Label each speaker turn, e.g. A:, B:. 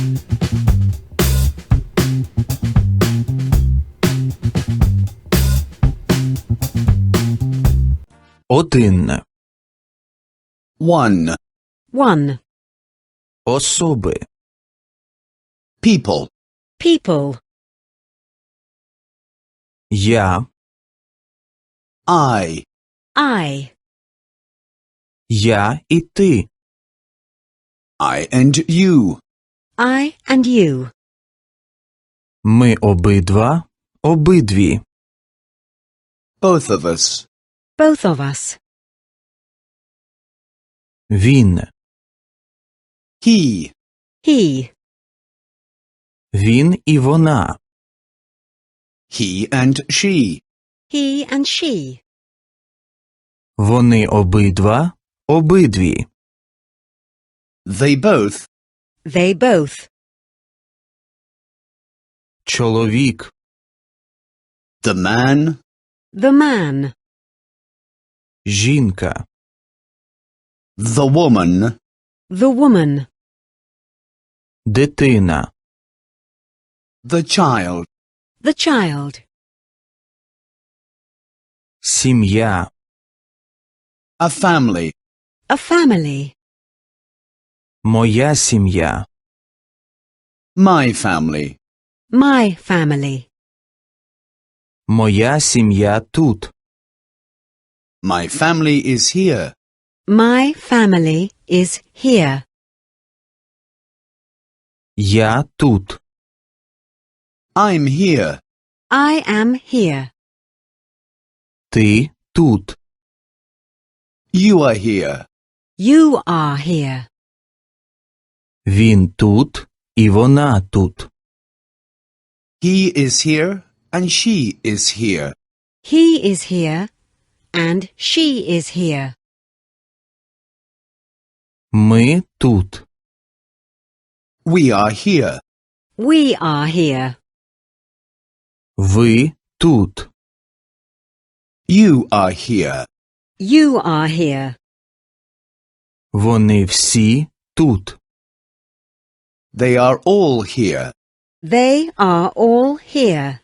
A: Один.
B: One.
C: One.
A: Особи.
B: People.
C: People.
A: Я.
B: I.
C: I.
A: Я і ти.
B: I and you.
C: I and you.
A: Ми обидва. Обидві.
B: Both of us.
C: Both of us.
A: Він.
B: He.
C: He.
A: Він і вона.
B: He and she.
C: He and she.
A: Вони обидва. Обидві.
B: They both.
C: They both.
A: Чоловік.
B: The man.
C: The man.
A: Жінка.
B: The woman.
C: The woman.
A: Дитина.
B: The child.
C: The child.
A: Сім'я.
B: A family.
C: A family.
A: Моя сім'я.
B: My family.
C: My family.
A: Моя сім'я тут.
B: My family is here.
C: My family is here.
A: Я тут.
B: I'm here.
C: I am here.
A: Ти тут.
B: You are here.
C: You are here.
A: Він тут і вона тут.
B: He is here and she is here.
C: He is here and she is here.
A: Ми тут.
B: We are here.
C: We are here.
A: Ви тут.
B: You are here.
C: You are here.
A: Вони всі тут.
B: They are all here.
C: They are all here.